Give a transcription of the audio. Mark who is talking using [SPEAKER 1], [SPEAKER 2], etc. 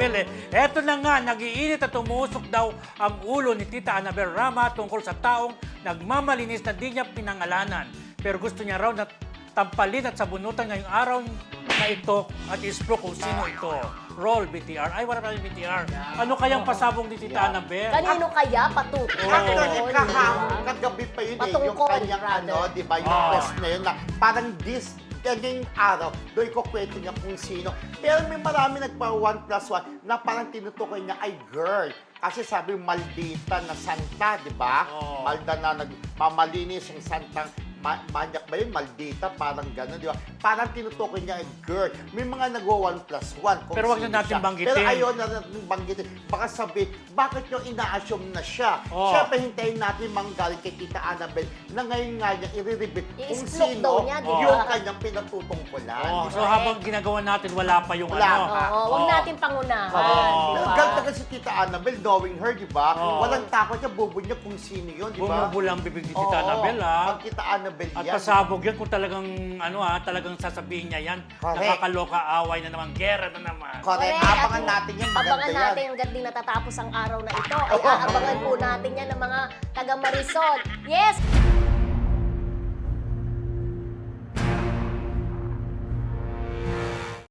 [SPEAKER 1] Annabel eh. Eto na nga, nagiinit at umusok daw ang ulo ni Tita Annabel Rama tungkol sa taong nagmamalinis na di niya pinangalanan. Pero gusto niya raw na tampalin at sabunutan ngayong araw na ito at isbro kung sino ito. Roll, BTR. Ay, wala tayong BTR. Ano kayang pasabong ni Tita Annabel?
[SPEAKER 2] Kanino kaya patukoy?
[SPEAKER 3] Actually, kagabi pa yun yung
[SPEAKER 2] Patungkol,
[SPEAKER 3] kanyang
[SPEAKER 2] rather.
[SPEAKER 3] di ba, yung quest na yun na parang ganyang araw, doon ko kwento niya kung sino. Pero may marami nagpa 1+1 na parang tinutukoy niya ay girl. Kasi sabi maldita na santa, di ba? Malda na nagmamalinis yung santang manyak ba yun? Maldita, parang gano'n, di ba? Parang tinutukoy niya ay girl. May mga nagwa 1+1.
[SPEAKER 1] Pero wag na natin banggitin.
[SPEAKER 3] Pero ayaw na natin banggitin. Baka sabi, bakit nyo ina-assume na siya?
[SPEAKER 1] Oh.
[SPEAKER 3] Siyempre, hintayin natin manggaling kay Tita Annabel na ngayon nga niya i-reveal kung
[SPEAKER 2] I-explode
[SPEAKER 3] sino
[SPEAKER 2] daw niya, di ba?
[SPEAKER 3] yung kanyang pinatutungkulan.
[SPEAKER 1] Oh,
[SPEAKER 3] di
[SPEAKER 1] so
[SPEAKER 3] ba?
[SPEAKER 1] habang ginagawa natin, wala pa yung
[SPEAKER 3] Wala
[SPEAKER 1] ano.
[SPEAKER 3] pa.
[SPEAKER 2] Huwag natin pangunahan, di
[SPEAKER 3] Pero
[SPEAKER 2] ba?
[SPEAKER 3] ganda kasi si Tita Annabel, knowing her, di ba?
[SPEAKER 1] Oh.
[SPEAKER 3] Walang takot niya, bubo niya kung sino yun, di ba?
[SPEAKER 1] Bumubulang bibig ni Tita Annabel, ha?
[SPEAKER 3] Pag Tita Annabel
[SPEAKER 1] At
[SPEAKER 3] yan.
[SPEAKER 1] pasabog yan kung talagang, talagang sasabihin niya yan.
[SPEAKER 3] Correct.
[SPEAKER 1] Nakakaloka, away na naman, gera na naman.
[SPEAKER 3] Correct. Abangan natin yan, maganda
[SPEAKER 2] Abangan
[SPEAKER 3] yan.
[SPEAKER 2] natin hanggang di natatapos ang araw na ito. Ay aabangan po natin yan ng mga taga Marisol. Yes!